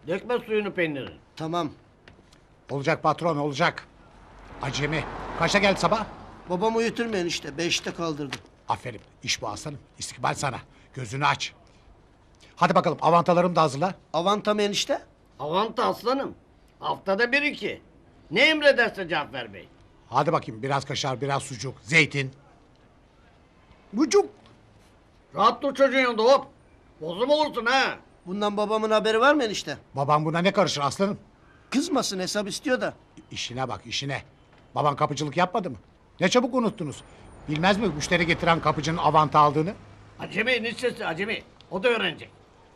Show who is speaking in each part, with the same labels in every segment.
Speaker 1: Dökme suyunu peynirin.
Speaker 2: Tamam.
Speaker 3: Olacak patron olacak. Acemi. Kaçta geldi sabah?
Speaker 2: Babam uyuturmayın işte. 5'te kaldırdım.
Speaker 3: Aferin. İş bu aslanım. İstikbal sana. Gözünü aç. Hadi bakalım avantalarımı da hazırla.
Speaker 2: Avantam enişte.
Speaker 1: Avanta aslanım. Haftada bir iki. Ne emrederse Cafer Bey.
Speaker 3: Hadi bakayım biraz kaşar, biraz sucuk, zeytin. Bucuk.
Speaker 1: Rahat dur çocuğun yanında hop. Bozum olursun ha.
Speaker 2: Bundan babamın haberi var mı enişte?
Speaker 3: Babam buna ne karışır aslanım?
Speaker 2: Kızmasın, hesap istiyor da.
Speaker 3: İşine bak işine. Baban kapıcılık yapmadı mı? Ne çabuk unuttunuz. Bilmez mi müşteri getiren kapıcının avanta aldığını?
Speaker 1: Acemi eniştesi acemi. O da öğrenecek.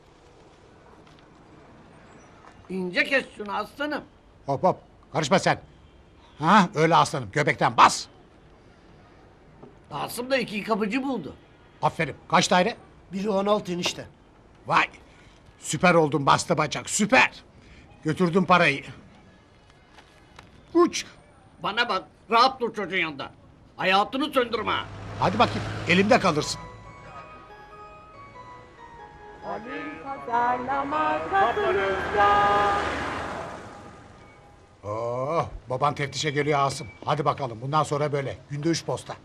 Speaker 1: İnce kes şunu aslanım.
Speaker 3: Hop hop karışma sen. Ha öyle aslanım göbekten bas.
Speaker 1: Asım da iki kapıcı buldu.
Speaker 3: Aferin kaç daire?
Speaker 2: Biri 16 enişte.
Speaker 3: Vay süper oldun bastı bacak süper. Götürdüm parayı. Uç.
Speaker 1: Bana bak rahat dur çocuğun yanında. Hayatını söndürme ha.
Speaker 3: Hadi bakayım elimde kalırsın. Oh, baban teftişe geliyor Asım. Hadi bakalım bundan sonra böyle. Günde 3 posta.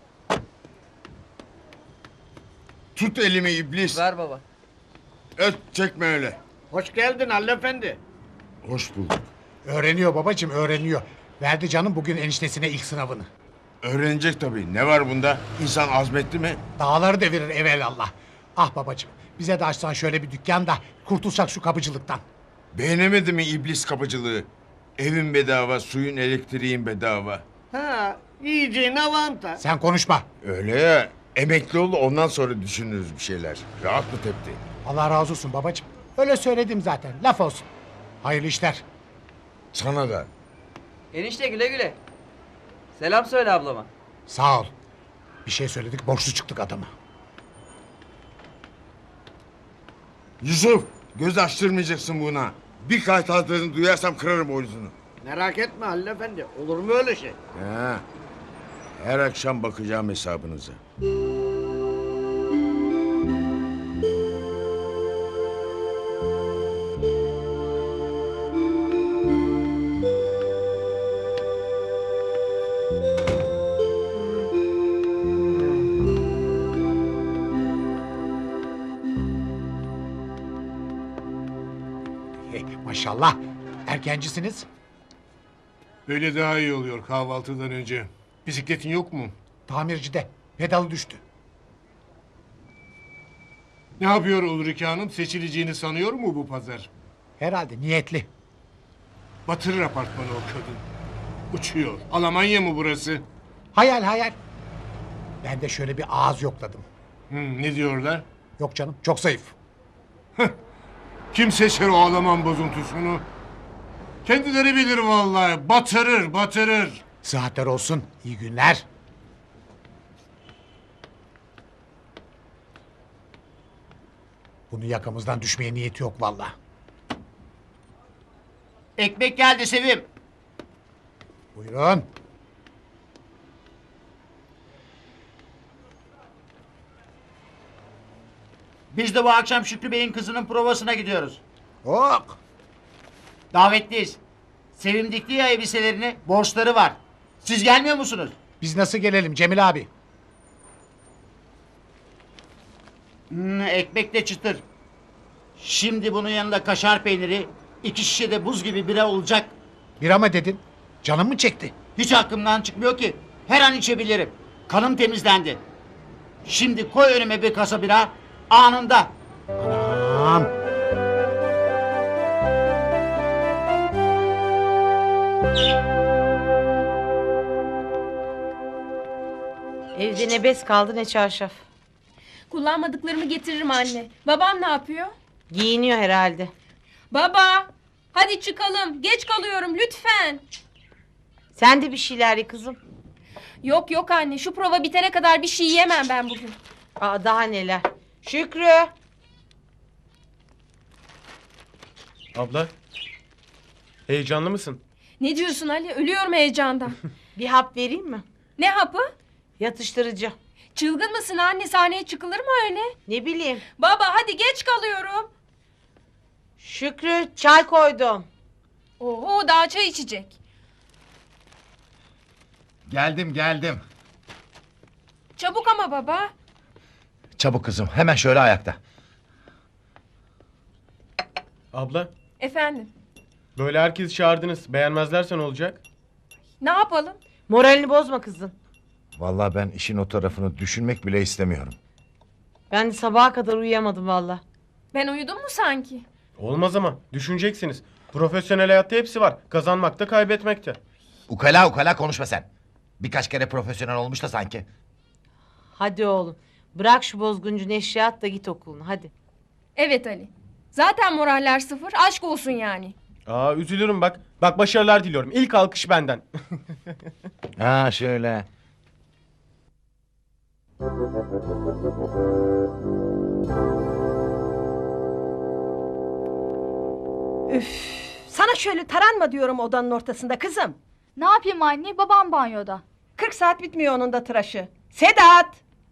Speaker 4: Tut elimi iblis.
Speaker 5: Ver baba.
Speaker 4: Öt çekme öyle.
Speaker 1: Hoş geldin Halil Efendi.
Speaker 4: Hoş bulduk.
Speaker 3: Öğreniyor babacığım öğreniyor. Verdi canım bugün eniştesine ilk sınavını.
Speaker 4: Öğrenecek tabii. Ne var bunda? İnsan azmetti mi?
Speaker 3: Dağları devirir evelallah. Ah babacığım bize de açsan şöyle bir dükkan da kurtulsak şu kapıcılıktan.
Speaker 4: Beğenemedi mi iblis kapıcılığı? Evin bedava, suyun elektriğin bedava.
Speaker 1: Ha, yiyeceğin avanta.
Speaker 3: Sen konuşma.
Speaker 4: Öyle ya. Emekli ol ondan sonra düşünürüz bir şeyler. Rahat mı tepti?
Speaker 3: Allah razı olsun babacığım. Öyle söyledim zaten laf olsun. Hayırlı işler.
Speaker 4: Sana da.
Speaker 5: Enişte güle güle. Selam söyle ablama.
Speaker 3: Sağ ol. Bir şey söyledik borçlu çıktık adama.
Speaker 4: Yusuf, göz açtırmayacaksın buna. Bir kaytazdığını duyarsam kırarım boynuzunu.
Speaker 1: Merak etme Halil Efendi. Olur mu öyle şey?
Speaker 4: Ha. Her akşam bakacağım hesabınıza.
Speaker 3: Maşallah. Erkencisiniz.
Speaker 6: Böyle daha iyi oluyor kahvaltıdan önce. Bisikletin yok mu?
Speaker 3: Tamircide. Pedalı düştü.
Speaker 6: Ne yapıyor Ulrike Hanım? Seçileceğini sanıyor mu bu pazar?
Speaker 3: Herhalde niyetli.
Speaker 6: Batırır apartmanı o kadın. Uçuyor. Almanya mı burası?
Speaker 3: Hayal hayal. Ben de şöyle bir ağız yokladım.
Speaker 6: Ne diyorlar?
Speaker 3: Yok canım çok zayıf.
Speaker 6: Kim seçer o Alman bozuntusunu? Kendileri bilir vallahi. Batırır, batırır.
Speaker 3: Sıhhatler olsun. İyi günler. Bunun yakamızdan düşmeye niyeti yok vallahi.
Speaker 1: Ekmek geldi Sevim.
Speaker 3: Buyurun.
Speaker 7: Biz de bu akşam Şükrü Bey'in kızının provasına gidiyoruz.
Speaker 3: Ok.
Speaker 7: Davetliyiz. Sevim dikti ya elbiselerini, borçları var. Siz gelmiyor musunuz?
Speaker 3: Biz nasıl gelelim Cemil abi?
Speaker 7: Ekmek de çıtır. Şimdi bunun yanında kaşar peyniri, 2 şişe de buz gibi bira olacak.
Speaker 3: Bira mı dedin? Canım mı çekti?
Speaker 7: Hiç aklımdan çıkmıyor ki. Her an içebilirim. Kanım temizlendi. Şimdi koy önüme bir kasa bira, anında.
Speaker 3: Anam.
Speaker 8: Evde ne bez kaldı ne çarşaf.
Speaker 9: Kullanmadıklarımı getiririm anne. Babam ne yapıyor?
Speaker 8: Giyiniyor herhalde.
Speaker 9: Baba! Hadi çıkalım. Geç kalıyorum lütfen.
Speaker 8: Sen de bir şeyler ye kızım.
Speaker 9: Yok yok anne. Şu prova bitene kadar bir şey yiyemem ben bugün.
Speaker 8: Aa, daha neler. Şükrü.
Speaker 10: Abla, heyecanlı mısın?
Speaker 9: Ne diyorsun Ali? Ölüyorum heyecandan.
Speaker 8: Bir hap vereyim mi?
Speaker 9: Ne hapı?
Speaker 8: Yatıştırıcı.
Speaker 9: Çılgın mısın anne? Sahneye çıkılır mı öyle?
Speaker 8: Ne bileyim.
Speaker 9: Baba hadi geç kalıyorum.
Speaker 8: Şükrü çay koydum.
Speaker 9: Oho daha çay içecek.
Speaker 11: Geldim.
Speaker 9: Çabuk ama baba.
Speaker 11: Çabuk kızım, hemen şöyle ayakta.
Speaker 10: Abla,
Speaker 9: Efendim.
Speaker 10: böyle herkesi çağırdınız. Beğenmezlerse ne olacak?
Speaker 9: Ne yapalım?
Speaker 8: Moralini bozma kızın.
Speaker 11: Vallahi ben işin o tarafını düşünmek bile istemiyorum.
Speaker 8: Ben de sabaha kadar uyuyamadım valla.
Speaker 9: Ben uyudum mu sanki?
Speaker 10: Olmaz ama. Düşüneceksiniz. Profesyonel hayatta hepsi var. Kazanmakta, kaybetmekte.
Speaker 11: Ukala konuşma sen. Birkaç kere profesyonel olmuş da sanki.
Speaker 8: Hadi oğlum. Bırak şu bozguncu neşriyat da git okuluna hadi.
Speaker 9: Evet Ali. Zaten moraller sıfır. Aşk olsun yani.
Speaker 10: Aa, üzülürüm bak. Bak, başarılar diliyorum. İlk alkış benden.
Speaker 11: Ha şöyle.
Speaker 12: Sana şöyle taranma diyorum odanın ortasında kızım.
Speaker 9: Ne yapayım anne? Babam banyoda.
Speaker 12: 40 saat bitmiyor onun da tıraşı. Sedat!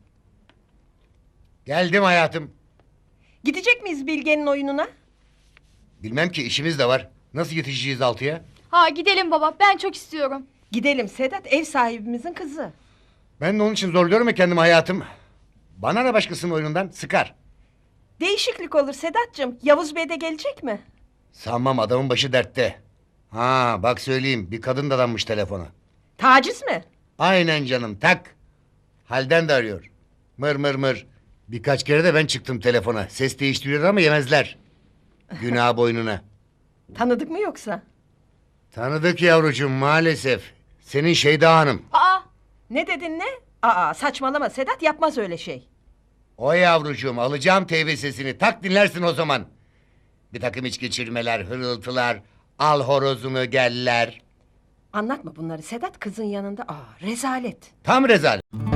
Speaker 13: Geldim hayatım.
Speaker 12: Gidecek miyiz Bilge'nin oyununa?
Speaker 13: Bilmem ki işimiz de var. Nasıl yetişeceğiz 6'ya?
Speaker 9: Ha gidelim baba. Ben çok istiyorum.
Speaker 12: Gidelim Sedat, ev sahibimizin kızı.
Speaker 13: Ben de onun için zorluyorum ya kendimi hayatım. Bana ne başkasının oyunundan sıkar.
Speaker 12: Değişiklik olur Sedat'cığım. Yavuz Bey de gelecek mi?
Speaker 13: Sanmam, adamın başı dertte. Ha bak söyleyeyim, bir kadın dadanmış telefona.
Speaker 12: Taciz mi?
Speaker 13: Aynen canım, tak. Halden de arıyor. Mır. Birkaç kere de ben çıktım telefona. Ses değiştiriyor ama yemezler. Günah boynuna.
Speaker 12: Tanıdık mı yoksa?
Speaker 13: Tanıdık yavrucuğum maalesef. Senin Şeyda Hanım.
Speaker 9: Aa
Speaker 12: Ne dedin ne? Aa saçmalama Sedat, yapmaz öyle şey.
Speaker 13: O yavrucuğum, alacağım teybe sesini. Tak dinlersin o zaman. Bir takım iç geçirmeler, hırıltılar. Al horozunu geller.
Speaker 12: Anlatma bunları Sedat, kızın yanında. Aa rezalet.
Speaker 13: Tam rezalet.